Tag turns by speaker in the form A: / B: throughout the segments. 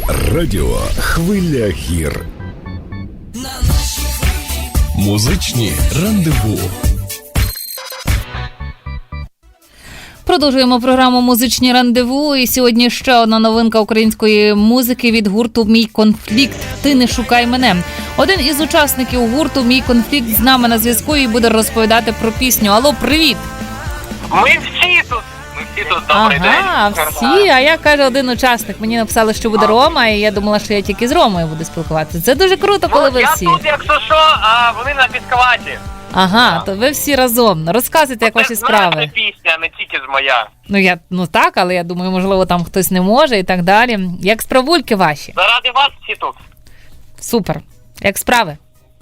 A: Радіо «Хвиля гір». Музичні рандеву.
B: Продовжуємо програму «Музичні рандеву». І сьогодні ще одна новинка української музики від гурту «Мій конфлікт. Ти не шукай мене». Один із учасників гурту «Мій конфлікт» з нами на зв'язку і буде розповідати про пісню. Алло, привіт!
C: Ми всі тут, добрий день.
B: Ага, всі. А я, каже, один учасник. Мені написали, що буде Рома, і я думала, що я тільки з Ромою буду спілкуватися. Це дуже круто, коли ви всі.
C: Я тут, якщо що, а вони на Піскаваті.
B: Ага, то ви всі разом. Розказуйте, як ваші справи.
C: Це пісня, не тільки з моя.
B: Ну так, але я думаю, можливо, там хтось не може і так далі. Як справульки ваші?
C: Заради вас всі тут.
B: Супер. Як справи?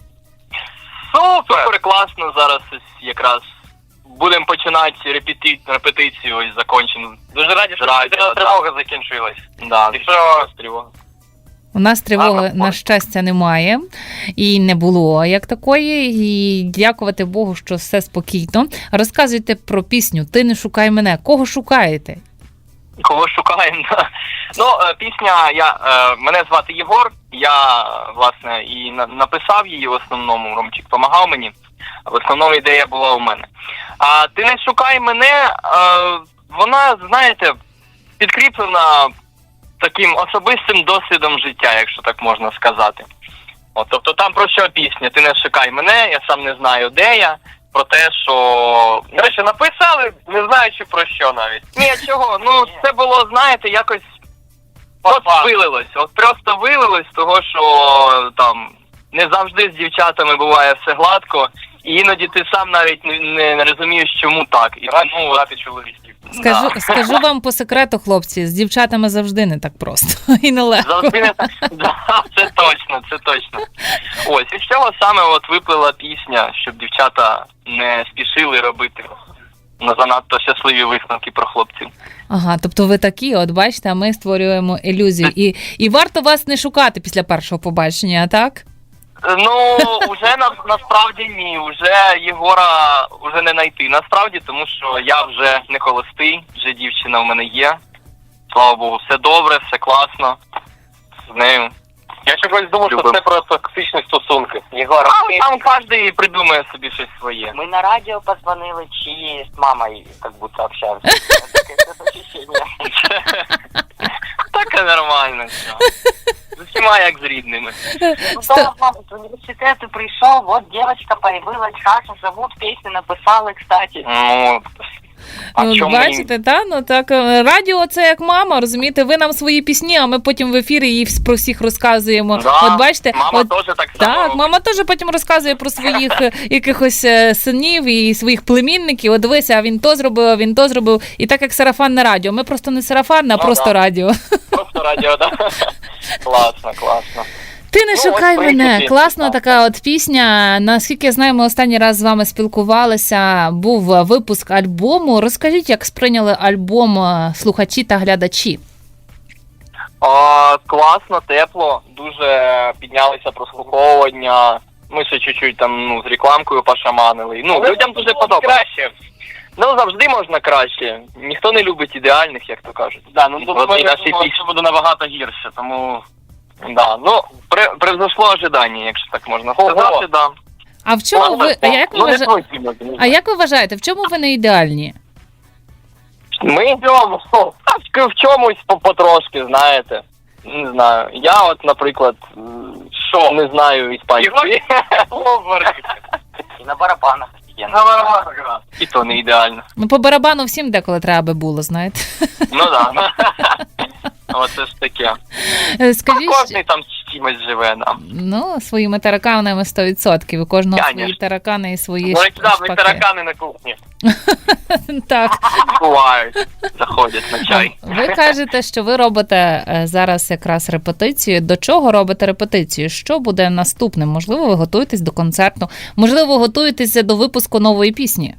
C: Супер, класно. Зараз якраз будемо починати репетицію, ось закончимо. Дуже раді, що тривога закінчилась. Да, і що тривога?
B: У нас тривоги, на щастя, немає. І не було як такої. І дякувати Богу, що все спокійно. Розказуйте про пісню «Ти не шукай мене». Кого шукаєте?
C: Кого шукаємо? Ну, пісня, мене звати Єгор. Я, власне, і написав її в основному. Ромчик допомагав мені. В основному ідея була у мене. А «Ти не шукай мене», вона, знаєте, підкріплена таким особистим досвідом життя, якщо так можна сказати. Тобто там про що пісня? «Ти не шукай мене», я сам не знаю, де я. Про те, що... До речі, написали, не знаючи про що навіть. Ні, чого? Ну, це було, знаєте, якось... вилилось. Просто вилилось, того, що там не завжди з дівчатами буває все гладко. І іноді ти сам навіть не розумієш, чому так. І тому брати чоловіків.
B: Скажу вам по секрету, хлопці, з дівчатами завжди не так просто і нелегко.
C: Завжди не так. Це точно. Ось, і з цього саме виплила пісня, щоб дівчата не спішили робити занадто щасливі висновки про хлопців.
B: Ага, тобто ви такі, от бачите, а ми створюємо ілюзію. І варто вас не шукати після першого побачення, так?
C: Ну, уже насправді ні, уже Єгора вже не знайти. Насправді, тому що я вже не холостий, вже дівчина в мене є. Слава Богу, все добре, все класно з нею. Я чогось думав, що це про токсичні стосунки. Єгора, там кожен придумає собі щось своє.
D: Мы на радио позвонили, чи с мамой как будто общаемся.
C: Таке нормально все. З усіма як з рідними.
D: Ну, с университета пришел, вот девочка появилась, Хаша зовут, песню написали, кстати.
C: Ну,
B: бачите, так, радіо це як мама, розумієте, ви нам свої пісні, а ми потім в ефірі її про всіх розказуємо.
C: Да,
B: от бачите,
C: мама теж так само.
B: Так, мама теж потім розказує про своїх якихось синів і своїх племінників. От дивися, він то зробив, і так як сарафанне радіо. Ми просто не сарафанне, а просто радіо.
C: Просто радіо, так. Класно.
B: «Ти не шукай мене». Класна така от пісня. Наскільки я знаю, ми останній раз з вами спілкувалися. Був випуск альбому. Розкажіть, як сприйняли альбом слухачі та глядачі?
C: Класно, тепло. Дуже піднялися прослуховування. Ми ще чуть-чуть там з рекламкою пошаманили. Людям дуже подобається. Завжди можна краще. Ніхто не любить ідеальних, як то кажуть. Це буде набагато гірше, тому... Да, превзошло ожидання, якщо так можна сказати, да.
B: А в чому як ви вважаєте, в чому ви не ідеальні?
C: Ми в чомусь потрошки, знаєте. Не знаю. Я наприклад, не знаю іспанської.
D: І на барабанах.
C: І то не ідеально.
B: По барабану всім деколи треба би було, знаєте.
C: Ну так. Оце ж таке.
B: Скажіть,
C: кожний там з чимось живе нам.
B: Своїми тараканами 100%. У кожного свої таракани і свої
C: шпаки. Таракани на кухні.
B: Так.
C: Бувають. Заходять на чай.
B: Ви кажете, що ви робите зараз якраз репетицію. До чого робите репетицію? Що буде наступним? Можливо, ви готуєтесь до концерту? Можливо, готуєтеся до випуску нової пісні?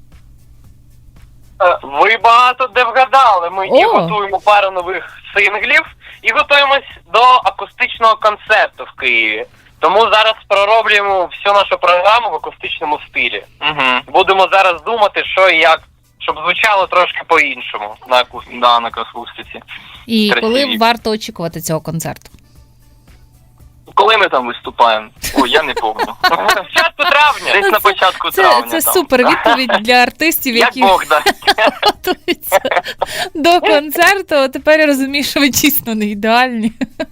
C: Ви багато де вгадали. Ми і готуємо пару нових синглів, і готуємось до акустичного концерту в Києві. Тому зараз пророблюємо всю нашу програму в акустичному стилі. Будемо зараз думати, щоб звучало трошки по-іншому на акустиці.
B: І
C: Красиві.
B: коли варто очікувати цього концерту?
C: Коли ми там виступаємо? Ой, я не пам'ятаю. Початку травня. Десь на початку травня.
B: Це
C: там.
B: супер відповідь для артистів,
C: Як
B: які
C: Бог дасть.
B: готуються до концерту. Тепер я розумію, що ви дійсно не ідеальні.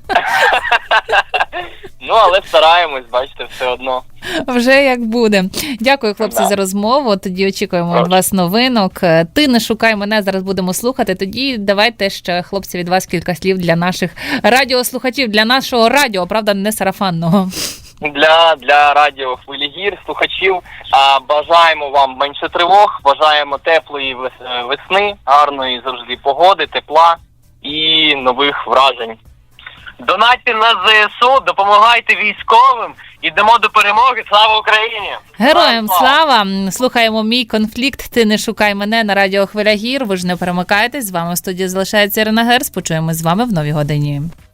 C: Ну, але стараємось, бачите, все одно.
B: Вже як буде. Дякую, хлопці,
C: Да.
B: за розмову. Тоді очікуємо від
C: Прошу.
B: вас новинок. Ти не шукай мене, зараз будемо слухати. Тоді давайте ще, хлопці, від вас кілька слів для наших радіослухачів, для нашого радіо, правда, не сарафанного.
C: Для радіо «Хвилі гір», слухачів, бажаємо вам менше тривог, бажаємо теплої весни, гарної завжди погоди, тепла і нових вражень. Донатьте на ЗСУ, допомагайте військовим, ідемо до перемоги. Слава Україні!
B: Героям слава! Слухаємо «Мій конфлікт. Ти не шукай мене» на радіо «Хвиля гір». Ви ж не перемикайтесь. З вами в студії залишається Ірина Герц. Почуємось з вами в новій годині.